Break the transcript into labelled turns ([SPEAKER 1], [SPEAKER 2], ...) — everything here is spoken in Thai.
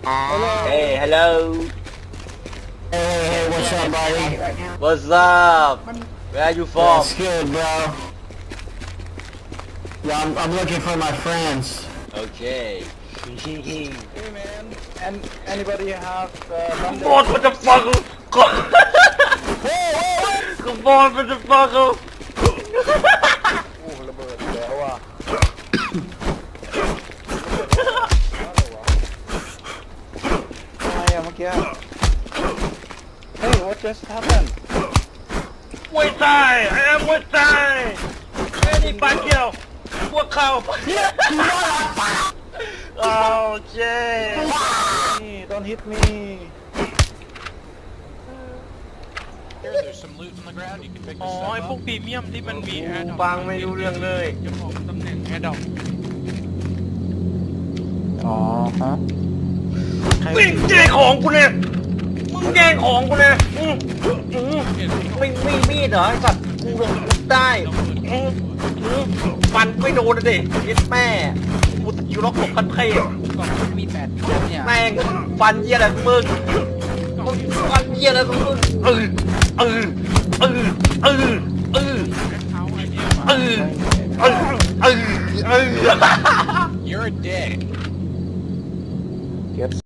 [SPEAKER 1] Hey, hello.
[SPEAKER 2] Hey, what's up, buddy?
[SPEAKER 1] What's up? Where are you from?
[SPEAKER 2] That's good, bro. Yeah, I'm looking for my friends.
[SPEAKER 1] Okay.
[SPEAKER 3] Hey man, and anybody have
[SPEAKER 1] Come on, motherfucker! Come on, motherfucker!
[SPEAKER 3] โอ้ระเบิดแล้วอ่ะอะไรอะเมื่อกี้ Hey what just happened
[SPEAKER 1] มวยตายไอ้มวยตายไอ้นี่ปลาเกี่ยวพวกเขาโอเค
[SPEAKER 3] นี่ don't hit me
[SPEAKER 4] There's some loot on the ground. You can pick
[SPEAKER 5] อ๋อ
[SPEAKER 4] this
[SPEAKER 5] ไอ
[SPEAKER 4] stuff
[SPEAKER 5] พวก
[SPEAKER 4] up.
[SPEAKER 5] พรีเมียมที่มันมีแอร์ดอก
[SPEAKER 1] ฟังไม่รู้เรื่องเลย
[SPEAKER 5] จะบอกตำแหน่งแอร์ดอก
[SPEAKER 3] อ๋อฮะ
[SPEAKER 1] มึงแย่งของกูเนี่ยมึงแย่งของกูเนี่ยไม่มีดเหรอไอ้สัตว์กูลงได้ฟันไม่โดนเลยยิดแม่กูสกิลล็อกของคันเทพ
[SPEAKER 5] กล่องมันมี8เนี่ย
[SPEAKER 1] แม่งฟันเยี่ยอะไรของมึงฟันเยี่ยอะไรของมึงเออ
[SPEAKER 5] แอคเคาท์ไอเดีย
[SPEAKER 1] เออ
[SPEAKER 5] ว่ะ
[SPEAKER 1] เออ
[SPEAKER 4] You're a dick.